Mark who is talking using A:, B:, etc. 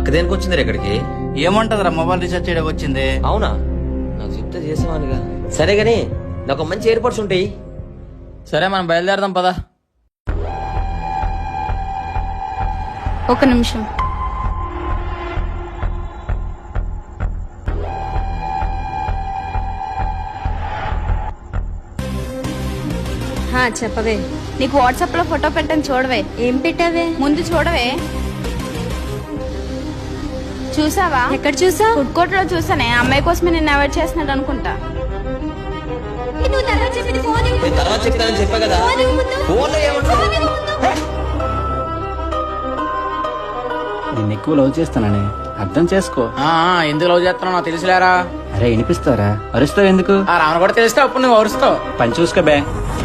A: అక్క దేనికి వచ్చింది ఇక్కడికి?
B: ఏముంటదిరా మొబైల్ రీఛార్జ్ చేయడానికి వచ్చింది.
A: అవునా, నాకు చెప్తే చేసేవానుగా. సరే గాని నాకు మంచి ఎయిర్పోర్ట్స్ ఉంటాయి.
C: సరే మనం బయలుదేరదాం పదా.
D: ఒక నిమిషం.
E: చెప్పవే.
D: నీకు వాట్సాప్ లో ఫోటో పెట్టని చూడవే.
E: ఏం పెట్టావే?
D: ముందు చూడవే. చూసావా?
E: ఎక్కడ చూసా?
D: ఫుడ్ కోర్ట్ లో చూసానే. అమ్మాయి కోసమే నేను అవాయిడ్ చేస్తున్నాడు అనుకుంటా.
E: నువ్వు తర్వాత చెప్పింది ఫోన్ ఇవ్వు.
A: నేను తర్వాత చెప్తానని చెప్పా కదా.
E: ఫోన్ ఇవ్వు ముందు.
A: ఫోన్లో ఏముంటుంది?
E: ఫోన్ ఇవ్వు ముందు.
F: నిన్ను ఎక్కువ లవ్ చేస్తానని అర్థం చేసుకో.
C: ఎందుకు లవ్ చేస్తున్నావు నాకు తెలుసులేరా.
F: అరే వినిపిస్తారా? అరుస్తావు ఎందుకు?
C: రావణ కూడా తెలిస్తే అప్పుడు నువ్వు అరుస్తావు.
F: పని చూసుకో బే.